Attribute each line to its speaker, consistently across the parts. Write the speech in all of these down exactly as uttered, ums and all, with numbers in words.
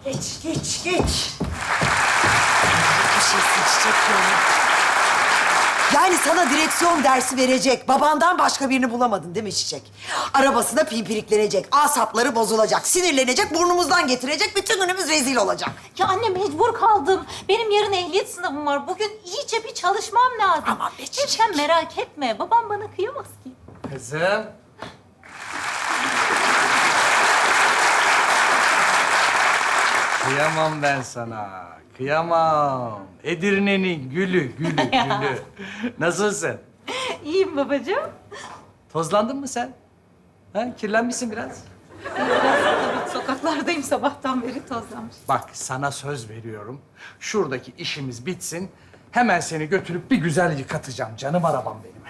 Speaker 1: Geç, geç, geç. Bir şey seçecek yani. Yani sana direksiyon dersi verecek, babandan başka birini bulamadın değil mi Çiçek? Arabasına pimpiriklenecek, asapları bozulacak, sinirlenecek, burnumuzdan getirecek, bütün günümüz rezil olacak.
Speaker 2: Ya anne mecbur kaldım. Benim yarın ehliyet sınavım var. Bugün iyice bir çalışmam lazım.
Speaker 1: Aman be Çiçek.
Speaker 2: Sen merak etme. Babam bana kıyamaz ki.
Speaker 3: Kızım. Kıyamam ben sana. Kıyamam. Edirne'nin gülü, gülü, gülü. Nasılsın?
Speaker 2: İyiyim babacığım.
Speaker 3: Tozlandın mı sen? Ha, kirlenmişsin biraz.
Speaker 2: Tabii sokaklardayım sabahtan beri tozlanmış.
Speaker 3: Bak sana söz veriyorum. Şuradaki işimiz bitsin. Hemen seni götürüp bir güzel yıkatacağım. Canım arabam benim.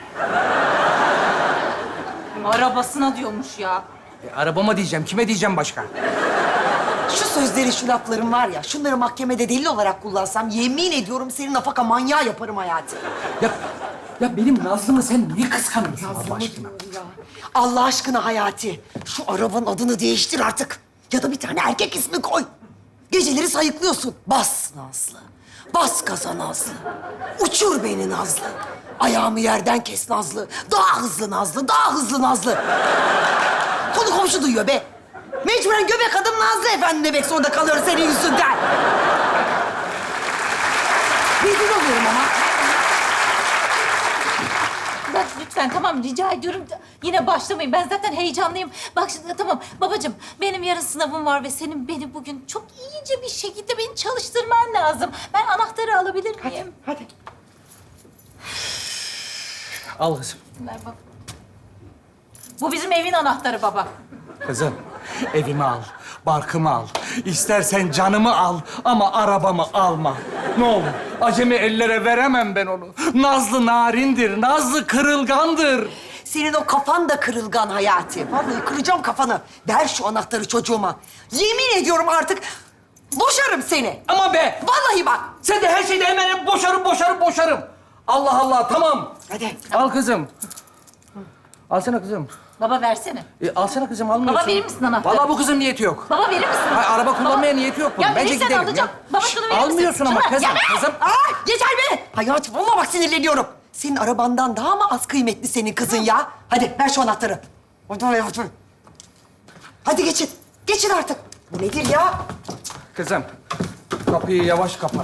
Speaker 2: Arabasına diyormuş ya.
Speaker 3: E, arabama diyeceğim. Kime diyeceğim başka?
Speaker 1: Şu sözleri, şu lafların var ya, şunları mahkemede delil olarak kullansam yemin ediyorum seni nafaka manyağı yaparım Hayati.
Speaker 3: Ya, ya benim Nazlı'mı sen niye kıskanıyorsun Allah aşkına?
Speaker 1: Allah aşkına Hayati, şu arabanın adını değiştir artık. Ya da bir tane erkek ismi koy. Geceleri sayıklıyorsun. Bas Nazlı, bas gaza Nazlı. Uçur beni Nazlı. Ayağımı yerden kes Nazlı. Daha hızlı Nazlı, daha hızlı Nazlı. Konu komşu duyuyor be. Mecburen göbek adım Nazlı efendi demek zorunda kalıyoruz senin yüzünden. Rezil oluyorum ama.
Speaker 2: Bak lütfen tamam rica ediyorum. Yine başlamayın. Ben zaten heyecanlıyım. Bak şimdi tamam babacığım benim yarın sınavım var ve senin beni bugün çok iyice bir şekilde beni çalıştırman lazım. Ben anahtarı alabilir miyim?
Speaker 1: Hadi.
Speaker 3: Al kızım.
Speaker 2: Ver bak. Bu bizim evin anahtarı baba.
Speaker 3: Kızım, evimi al, barkımı al. İstersen canımı al ama arabamı alma. Ne olur, acemi ellere veremem ben onu. Nazlı narindir, Nazlı kırılgandır.
Speaker 1: Senin o kafan da kırılgan Hayati. Vallahi kıracağım kafanı. Ver şu anahtarı çocuğuma. Yemin ediyorum artık boşarım seni.
Speaker 3: Ama be,
Speaker 1: Vallahi bak.
Speaker 3: sen de her şeyde hemen hep boşarım, boşarım, boşarım. Allah Allah, tamam.
Speaker 1: Hadi.
Speaker 3: Al kızım. Alsana kızım.
Speaker 2: Baba versene.
Speaker 3: E, alsana kızım, almıyorsun.
Speaker 2: Baba, verir misin anahtarı?
Speaker 3: Vallahi bu kızın niyeti yok.
Speaker 2: Baba verir misin?
Speaker 3: Hayır, araba kullanmaya
Speaker 2: Baba-
Speaker 3: niyeti yok bunun.
Speaker 2: Ya
Speaker 3: Bence
Speaker 2: verirsen
Speaker 3: gidelim
Speaker 2: alacağım.
Speaker 3: ya.
Speaker 2: Baba
Speaker 3: Şşt,
Speaker 2: şunu verir misin?
Speaker 3: almıyorsun ama
Speaker 2: Şunu ver.
Speaker 3: kızım,
Speaker 2: Ya ver.
Speaker 3: kızım.
Speaker 1: Ay yeter be. Hayati vallahi bak sinirleniyorum. Senin arabandan daha mı az kıymetli senin kızın ya? Hadi ver şu anahtarı. Hadi hadi hadi. Hadi geçin. Geçin artık. Bu nedir ya?
Speaker 3: Kızım, kapıyı yavaş kapat.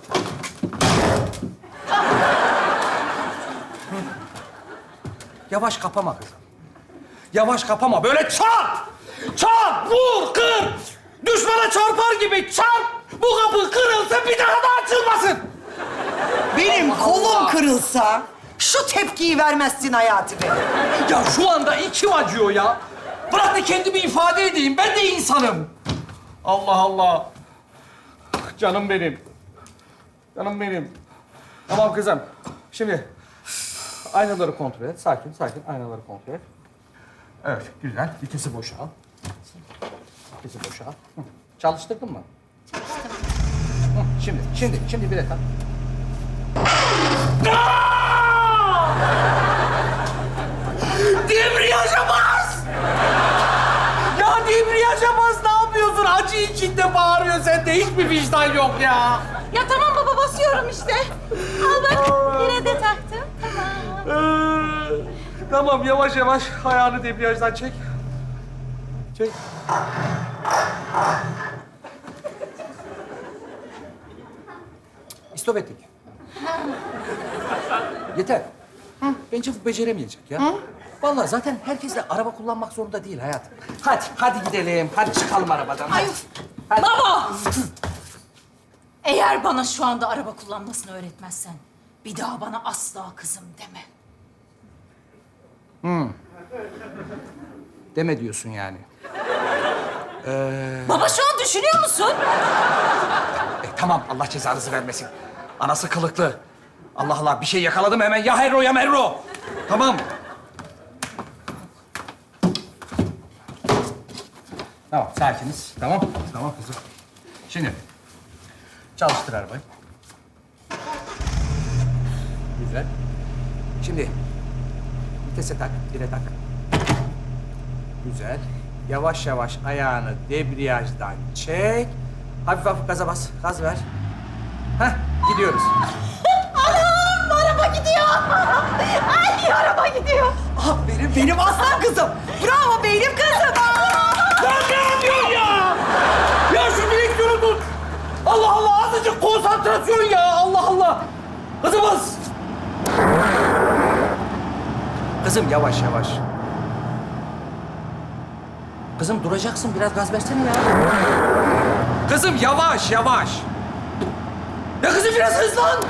Speaker 3: Yavaş kapama kızım. Yavaş kapama, böyle çarp! Çarp, vur, kır! Düşmana çarpar gibi çarp! Bu kapı kırılsın, bir daha da açılmasın!
Speaker 1: Benim
Speaker 3: Allah
Speaker 1: kolum
Speaker 3: Allah.
Speaker 1: kırılsa şu tepkiyi vermezsin Hayati be.
Speaker 3: Ya şu anda içim acıyor ya. Bırak da kendimi ifade edeyim, ben de insanım. Allah Allah. Canım benim. Canım benim. Tamam kızım. Şimdi aynaları kontrol et. Sakin, sakin. Aynaları kontrol et. Evet, güzel. Vitesi boşa al. Vitesi boşa al. Hı. Çalıştırdın mı? Çalıştım. Şimdi, şimdi, şimdi bir dakika. Debriyaja bas! Ya debriyaja bas, ne yapıyorsun? Acı içinde bağırıyor, sende hiçbir vicdan yok ya.
Speaker 2: Ya tamam baba basıyorum işte. Al bak yine de taktım. Tamam.
Speaker 3: Ee, tamam, yavaş yavaş ayağını debriyajdan çek. Çek. İstop ettik. Yeter. Bence bu beceremeyecek ya. Vallahi zaten herkes de araba kullanmak zorunda değil hayatım. Hadi, hadi gidelim. Hadi çıkalım arabadan. Hadi. Hadi.
Speaker 2: Baba! Eğer bana şu anda araba kullanmasını öğretmezsen bir daha bana asla kızım deme.
Speaker 3: Deme diyorsun yani.
Speaker 2: Baba şu an düşünüyor musun?
Speaker 3: E, tamam, Allah cezanızı vermesin. Anası kılıklı. Allah Allah, bir şey yakaladım hemen. Ya herro ya merro. Tamam. Tamam, sakiniz. Tamam, tamam kızım. Şimdi çalıştır arabayı. Güzel. Şimdi vitese tak, bire tak. Güzel. Yavaş yavaş ayağını debriyajdan çek. Hafif hafif gaza bas. Gaz ver. Heh, gidiyoruz.
Speaker 2: Anam araba gidiyor. Ay araba gidiyor.
Speaker 1: Aferin benim aslan kızım. Bravo benim kızım.
Speaker 3: Ya ne yapıyorsun ya? Ya şu direksiyonu tut. Allah Allah, azıcık konsantrasyon ya. Allah Allah. Kızım bas. Kızım yavaş yavaş. Kızım duracaksın, biraz gaz versene ya. Kızım yavaş yavaş. Ya kızım biraz hızlan.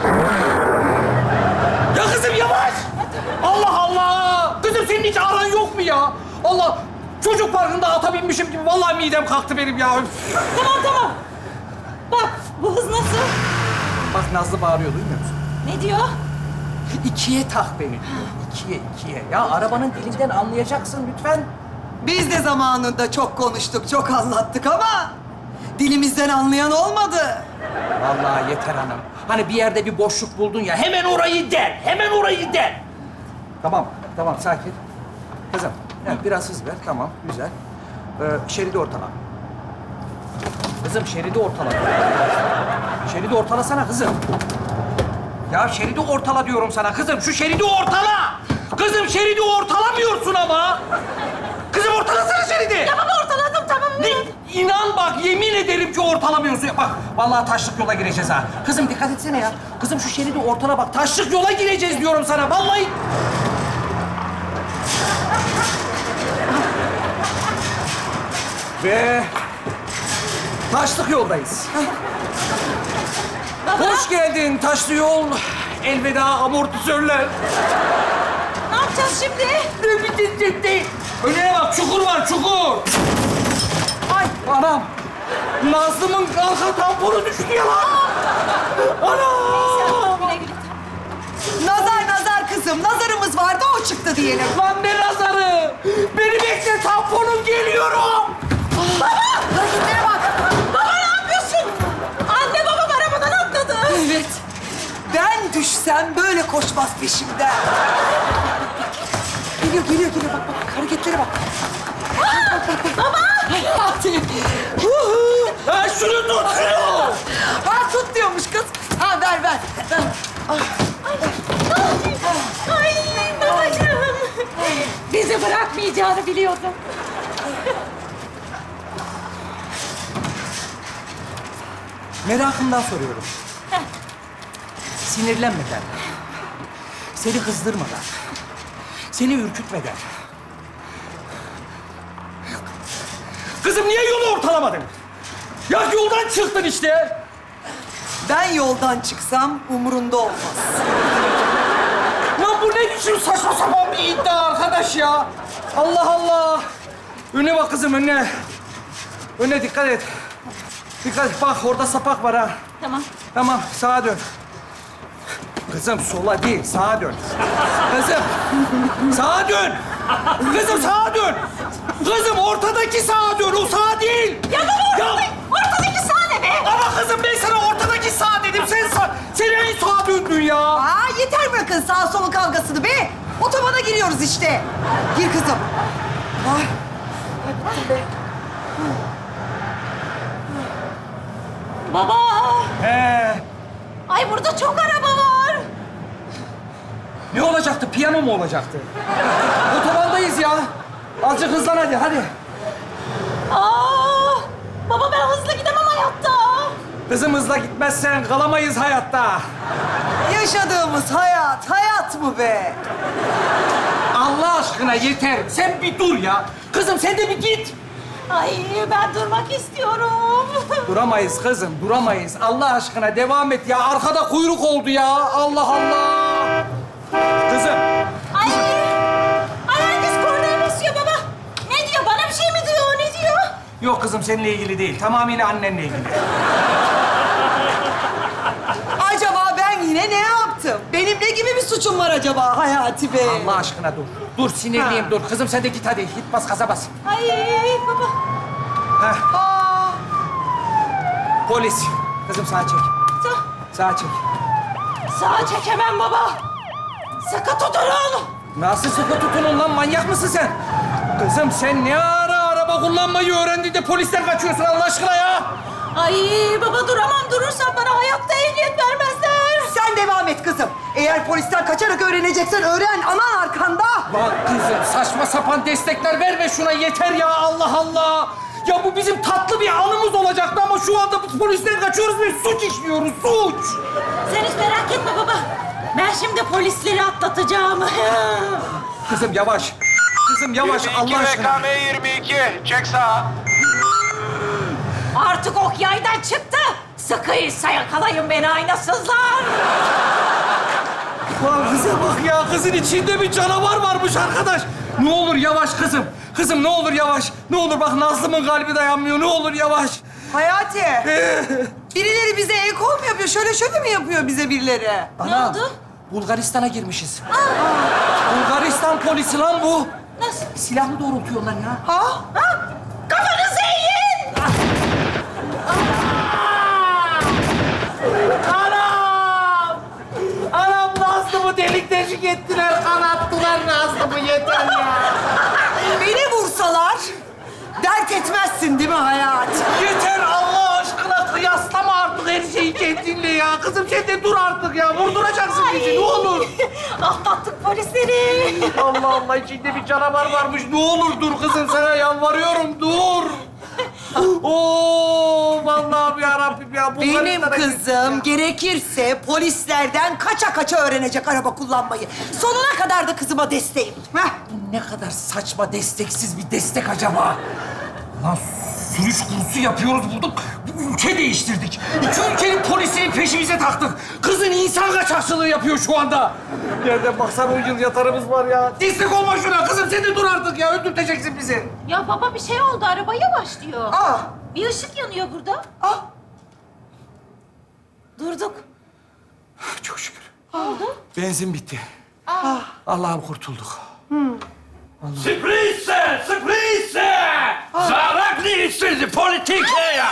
Speaker 3: Ya kızım yavaş. Allah Allah. Kızım senin hiç aran yok mu ya? Allah. Çocuk parkında ata binmişim gibi vallahi midem kalktı benim ya.
Speaker 2: Tamam tamam. Bak bu hız nasıl?
Speaker 3: Bak Nazlı bağırıyor, duymuyor musun?
Speaker 2: Ne diyor?
Speaker 3: İkiye tak beni diyor. İkiye, ikiye. Ya arabanın dilinden anlayacaksın lütfen.
Speaker 1: Biz de zamanında çok konuştuk, çok anlattık ama dilimizden anlayan olmadı.
Speaker 3: Vallahi yeter hanım. Hani bir yerde bir boşluk buldun ya, hemen orayı der, hemen orayı der. Tamam, tamam sakin. Kızım, evet, biraz hız ver, tamam, güzel. Ee, şeridi ortala. Kızım şeridi ortala. Şeridi ortalasana kızım. Ya şeridi ortala diyorum sana kızım, şu şeridi ortala! Kızım şeridi ortalamıyorsun ama! Kızım ortalasana şeridi!
Speaker 2: Ya baba ortaladım tamam mı?
Speaker 3: Ne? İnan bak, yemin ederim ki ortalamıyorsun. Bak, vallahi taşlık yola gireceğiz ha. Kızım dikkat etsene ya. Kızım şu şeridi ortala bak. Taşlık yola gireceğiz diyorum sana. Vallahi... Ve... Taşlık yoldayız.
Speaker 2: Baba
Speaker 3: Hoş geldin taşlı yol. Elveda amortisörler.
Speaker 2: ne yapacağız şimdi?
Speaker 3: Ne bitecek değil. Önüne bak, çukur var, çukur. Ay anam. Nazlı'mın arka tamponu düştü ya lan. Anam.
Speaker 2: Güle güle.
Speaker 1: Nazar nazar kızım, nazarımız vardı o çıktı diyelim.
Speaker 3: Lan ne nazarı? Beni bekle, tamponum geliyorum.
Speaker 1: Hareketlere bak.
Speaker 2: Baba ne yapıyorsun? Anne babam arabadan atladı.
Speaker 1: Evet. Ben düşsem böyle koşmaz peşimden. Geliyor, geliyor, geliyor. Bak, bak, hareketlere bak. Baba! Hadi. Huhu.
Speaker 3: Ha şunu tut, şunu.
Speaker 1: Ha, tut diyormuş kız. Ha, ver, ver. ver.
Speaker 2: Ay babacığım. Bizi bırakmayacağını biliyordum.
Speaker 3: Merakımdan soruyorum. Sinirlenmeden, seni kızdırmadan, seni ürkütmeden. Kızım niye yolu ortalamadın? Ya yoldan çıktın işte.
Speaker 1: Ben yoldan çıksam umurunda olmaz.
Speaker 3: Ya bu ne biçim saçma sapan bir iddia arkadaş ya? Allah Allah. Önüne bak kızım, önüne. Önüne dikkat et. Dikkat et. Bak orada sapak var ha.
Speaker 2: Tamam.
Speaker 3: Tamam, sağa dön. Kızım sola değil, sağa dön. Kızım, sağa dön. Kızım sağa dön. Kızım ortadaki sağa dön, o sağ değil.
Speaker 2: Ya baba ortada,
Speaker 3: Ya,
Speaker 2: ortadaki sahne be.
Speaker 3: ama kızım ben sana ortadaki sağ dedim, sen sağ... Sen en sağa döndün ya.
Speaker 1: Aa, yeter bırakın sağ sol kavgasını be. Otobana giriyoruz işte. Gir kızım. Ay.
Speaker 2: Baba.
Speaker 3: He.
Speaker 2: Ay burada çok araba var.
Speaker 3: Ne olacaktı, piyano mu olacaktı? Otobandayız ya. Azıcık hızlan hadi, hadi.
Speaker 2: Aa, baba ben hızlı gidemem hayatta.
Speaker 3: Kızım hızla gitmezsen kalamayız hayatta.
Speaker 1: Yaşadığımız hayat, hayat mı be?
Speaker 3: Allah aşkına yeter. Sen bir dur ya. Kızım sen de bir git.
Speaker 2: Ay ben durmak istiyorum.
Speaker 3: Duramayız kızım, duramayız. Allah aşkına devam et ya. Arkada kuyruk oldu ya. Allah Allah. Kızım.
Speaker 2: Ay, ay herkes kornaya basıyor baba. Ne diyor? Bana bir şey mi diyor? Ne diyor?
Speaker 3: Yok kızım seninle ilgili değil. Tamamıyla annenle ilgili.
Speaker 1: Acaba ben yine ne yaptım? Benim ne gibi bir suçum var acaba Hayati Bey?
Speaker 3: Allah aşkına dur. Dur sinirliyim dur. Kızım sen de git hadi. Git bas gaza bas.
Speaker 2: Ay baba.
Speaker 3: Heh.
Speaker 1: Aa,
Speaker 3: Polis. Kızım sağa çek.
Speaker 2: Sağ,
Speaker 3: Sağa çek.
Speaker 2: sağa çekemem baba. Sıkı tutun.
Speaker 3: Nasıl sıkı tutunun lan? Manyak mısın sen? Kızım sen ne ara araba kullanmayı öğrendin de polisten kaçıyorsun Allah aşkına ya?
Speaker 2: Ay Baba duramam. Durursam bana hayatta ehliyet vermezler.
Speaker 1: Sen devam et kızım. Eğer polisten kaçarak öğreneceksen öğren. Aman arkanda.
Speaker 3: Bak kızım saçma sapan destekler verme şuna yeter ya Allah Allah. Ya bu bizim tatlı bir anımız olacaktı ama şu anda biz polisten kaçıyoruz ve suç işliyoruz, suç.
Speaker 2: Sen hiç merak etme baba. Ben şimdi polisleri atlatacağım.
Speaker 3: Kızım yavaş. Kızım yavaş Allah aşkına.
Speaker 4: V K M yirmi iki, çek sağa.
Speaker 2: Artık ok yaydan çıktı. Sıkıysa yakalayın beni aynasızlar.
Speaker 3: Lan kıza bak ya, kızın içinde bir canavar varmış arkadaş. Ne olur yavaş kızım. Kızım ne olur yavaş. Ne olur bak Nazlı'mın kalbi dayanmıyor. Ne olur yavaş.
Speaker 1: Hayati. Birileri bize el kol mu yapıyor? Şöyle şöyle mi yapıyor bize birileri?
Speaker 2: Ne oldu?
Speaker 3: Bulgaristan'a girmişiz. Bulgaristan polisi lan bu.
Speaker 2: Nasıl?
Speaker 3: Silahlı doğrultuyorlar ya.
Speaker 1: Ha?
Speaker 2: Ha? Kafanızı eğin!
Speaker 3: Anam! Anam Nazlı'mı delik deşik ettiler, kanattılar Nazlı'mı yeter ya.
Speaker 1: Beni vursalar dert etmezsin değil mi Hayati?
Speaker 3: Yeter Allah aşkına kıyaslama artık her şeyi kendinle ya. Kızım sen de dur artık ya. Vurduracaksın bizi ne olur.
Speaker 2: Atlattık polisleri.
Speaker 3: Allah Allah içinde bir canavar varmış. Ne olur dur kızım sana yalvarıyorum dur. Oo vallahi ya Rabbim ya.
Speaker 1: Benim
Speaker 3: Bulgaristan'a
Speaker 1: kızım
Speaker 3: gittik
Speaker 1: gerekirse polislerden kaça kaça öğrenecek araba kullanmayı. Sonuna kadar da kızıma desteğim. Heh.
Speaker 3: ya. Ne kadar saçma desteksiz bir destek acaba? Lan sürüş kursu yapıyoruz bulduk. Ülke değiştirdik. İki ülkenin polisini peşimize taktık. Kızın insan kaçakçılığı yapıyor şu anda. Nereden baksan on yıl yatarımız var ya. Destek olma şuna kızım. Sen de dur artık ya. Öldürteceksin bizi.
Speaker 2: Ya baba bir şey oldu. Araba yavaş diyor.
Speaker 1: Aa,
Speaker 2: Bir ışık yanıyor burada.
Speaker 1: aa.
Speaker 2: Durduk.
Speaker 3: Çok şükür.
Speaker 2: Ne oldu?
Speaker 3: Benzin bitti. Allah'ım kurtulduk.
Speaker 4: Sürprize, sürprize! Zaraklı politik ya!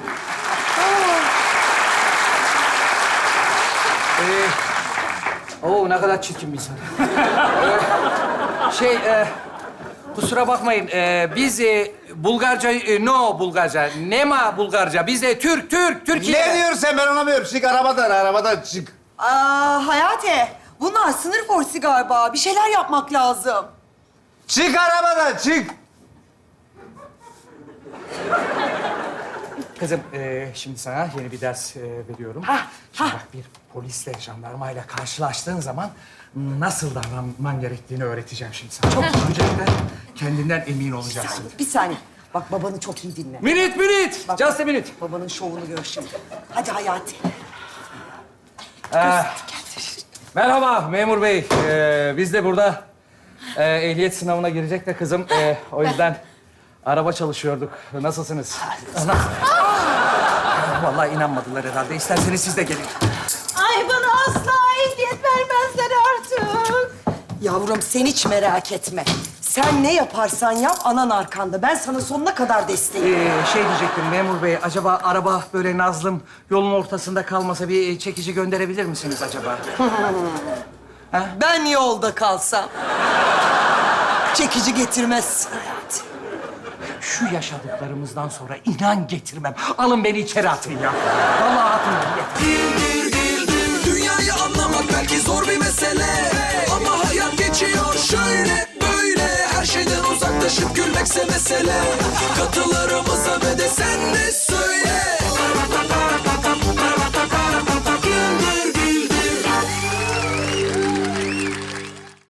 Speaker 3: Ee, oo ne kadar çirkin bir insan. Ee, şey, e, kusura bakmayın. e, biz e, Bulgarca, e, no Bulgarca, nema Bulgarca. Biz de Türk, Türk, Türkiye.
Speaker 5: Ne diyorsun sen? Ben anlamıyorum. Çık arabadan, arabadan çık.
Speaker 1: Aa, Hayati, bunlar sınır polisi galiba. Bir şeyler yapmak lazım.
Speaker 5: Çık arabadan, çık.
Speaker 3: Kızım, e, şimdi sana yeni bir ders e, veriyorum.
Speaker 1: Ha,
Speaker 3: Şimdi
Speaker 1: ha.
Speaker 3: bak bir polisle, jandarmayla karşılaştığın zaman nasıl davranman gerektiğini öğreteceğim şimdi sana. Çok öncelikle kendinden emin olacaksın.
Speaker 1: Bir saniye. Bak babanı çok iyi dinle.
Speaker 3: Minute, minute.
Speaker 1: Bak,
Speaker 3: Just a minute.
Speaker 1: Babanın şovunu gör şimdi. Hadi Hayati.
Speaker 3: Merhaba memur bey. Ee, biz de burada e, ehliyet sınavına girecek de kızım. E, o yüzden araba çalışıyorduk. Nasılsınız? Ana. Vallahi inanmadılar herhalde. İsterseniz siz de gelin.
Speaker 2: Ay bana asla ehliyet vermezler artık.
Speaker 1: Yavrum sen hiç merak etme. Sen ne yaparsan yap anan arkanda. Ben sana sonuna kadar desteğim.
Speaker 3: Ee, şey diyecektim memur bey. Acaba araba böyle Nazlım yolun ortasında kalmasa bir çekici gönderebilir misiniz acaba?
Speaker 1: Ben yolda kalsam çekici getirmez Hayati.
Speaker 3: Şu yaşadıklarımızdan sonra inan getirmem. Alın beni içeri atın ya. Vallahi atın beni. Yeter.
Speaker 6: Dünyayı anlamak belki zor bir mesele, ama hayat geçiyor şöyle böyle. Her şeyden uzaklaşıp gülmekse mesele. Katılarımıza ve de sen de